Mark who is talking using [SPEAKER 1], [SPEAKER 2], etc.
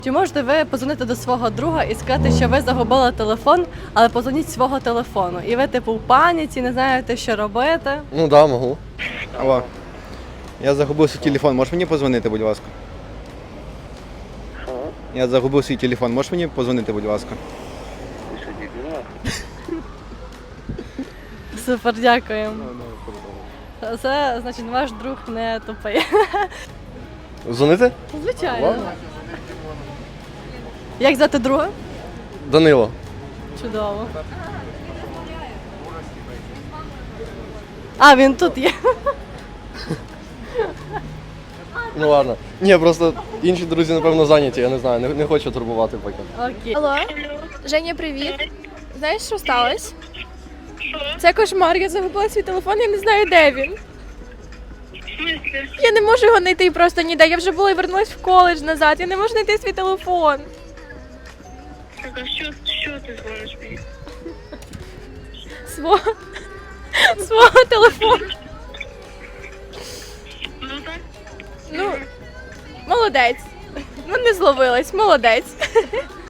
[SPEAKER 1] Чи можете ви позвонити до свого друга і сказати, що ви загубили телефон, але позвоніть з свого телефону? І ви типу в паніці, не знаєте, що робити?
[SPEAKER 2] Ну да, можу.
[SPEAKER 3] Алло. Я загубив свій телефон, можеш мені позвонити, будь ласка? Я загубив свій телефон, можеш мені позвонити, будь ласка?
[SPEAKER 1] Супер, дякую. Це, значить, ваш друг не тупий.
[SPEAKER 2] Дзвонити?
[SPEAKER 1] Звичайно. Як звати друга?
[SPEAKER 2] Данило.
[SPEAKER 1] Чудово. А, він тут є.
[SPEAKER 2] Ну ладно. Ні, просто інші друзі, напевно, зайняті, я не знаю, не хочу турбувати поки.
[SPEAKER 1] Окей.
[SPEAKER 4] Алло, Женя, привіт. Знаєш, що сталося? Це кошмар, я загубила свій телефон, я не знаю, де він. Я не можу його знайти просто ніде. Я вже була і вернулась в коледж назад. Я не можу знайти свій телефон.
[SPEAKER 5] Так, а що ти дзвониш мені?
[SPEAKER 4] Свого телефону.
[SPEAKER 5] Ну так.
[SPEAKER 4] Ну, молодець. Ну, не зловилась, молодець.